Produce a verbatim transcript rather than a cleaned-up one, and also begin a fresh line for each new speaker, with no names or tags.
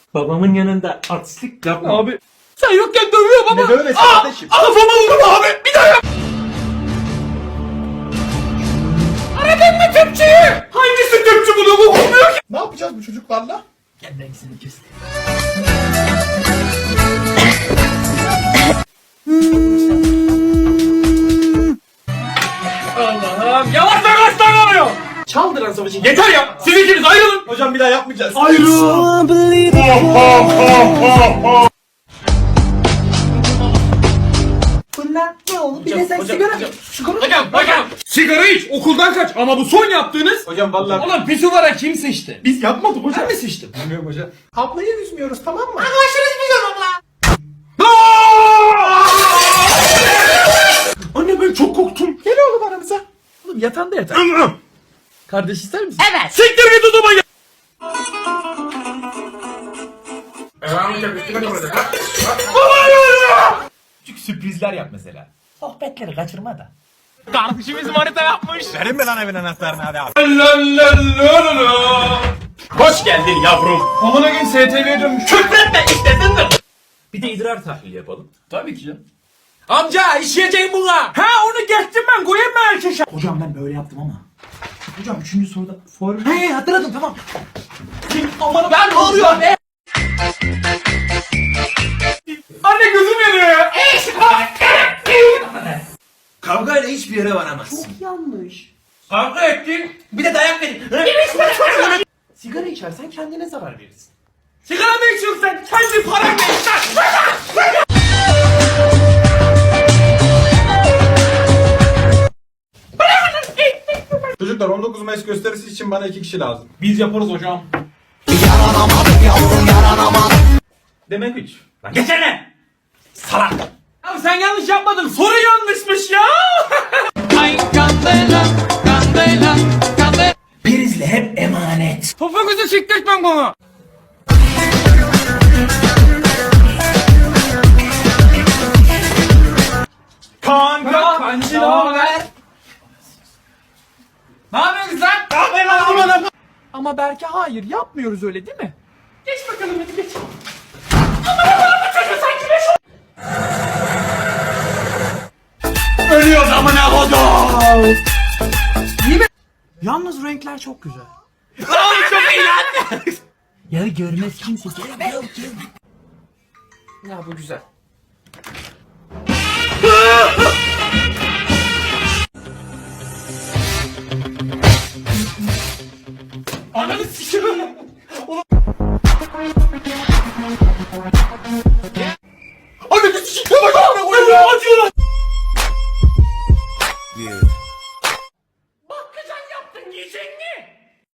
Babamın yanında artistlik yapma.
Abi sen yokken dövüyor baba.
Ne dövmesi kardeşim?
Kafama vurma abi. Bir daha yap. Aradın mı tüpçüyü? Hangisi tüpçü bunu bu olmuyor ki?
Ne yapacağız bu çocuklarla?
Gel ben seni göstereyim.
Allah'ım yavaş yavaş davranıyor. Çaldıran savaşı yeter ya. Siz ikiniz ayrılın.
Hocam bir daha yapmayacağız.
Ayrılın.
Bunlar ne oldu? Bir de sen
Hocam,
sigara
hocam.
Sigara
Hocam hocam. Sigara iç okuldan kaç ama bu son yaptığınız.
Hocam vallahi
Ulan pisuvara kim sıçtı?
biz yapmadık hocam.
Ben mi sıçtım?
Bilmiyorum hocam. Ablayı üzmüyoruz tamam mı?
Anne ben çok korktum.
Gel oğlum aramıza.
Oğlum yatağında yatar. Kardeş ister misin?
Evet.
Siktir git odama gel. Küçük sürprizler yap mesela.
Sohbetleri kaçırma da.
Kardeşimiz manita yapmış.
Verin mi lan evin anahtarını hadi abi.
Hoş geldin yavrum. Amına gün S T V'ye dönmüş. Küfretme istesin de. Bir de idrar tahlili yapalım. Tabii ki canım. Amca işleyeceğim buna. Ha onu geçtim ben koyayım mı erkeşe?
Hocam ben böyle yaptım ama. Hocam üçüncü soruda form... He hatırladım tamam.
Aman ben ne oluyor be? Anne gözüm yanıyor ya.
Kavgayla hiçbir yere varamazsın.
Çok yanlış. Kavga ettin.
Bir de dayak verin. Sigara içersen kendine zarar verirsin.
Sigara mı içiyorsun sen? Kendi paranla iç lan.
Çocuklar on dokuz Mayıs gösterisi için bana iki kişi lazım.
Biz yaparız hocam. Demek üç. Lan geçene. Salak. Ya sen yanlış yapmadın. Soru yanlışmış ya.
Prizle hep emanet.
Topuğunuzu siktirtmem bana. Kanka kancı ne haber? Ne yapıyorsun sen? Ne yapıyorsun lan? Ama belki hayır yapmıyoruz öyle değil mi? Geç bakalım hadi geç. Ölüyoruz amına kodum.
Yalnız renkler çok güzel.
Oğlum çok iyi lan.
Ya görmez kimse gelmiyor ki.
Ya bu güzel. Ananı sikiyorum. Ananı sikiyorum. Acıyor lan.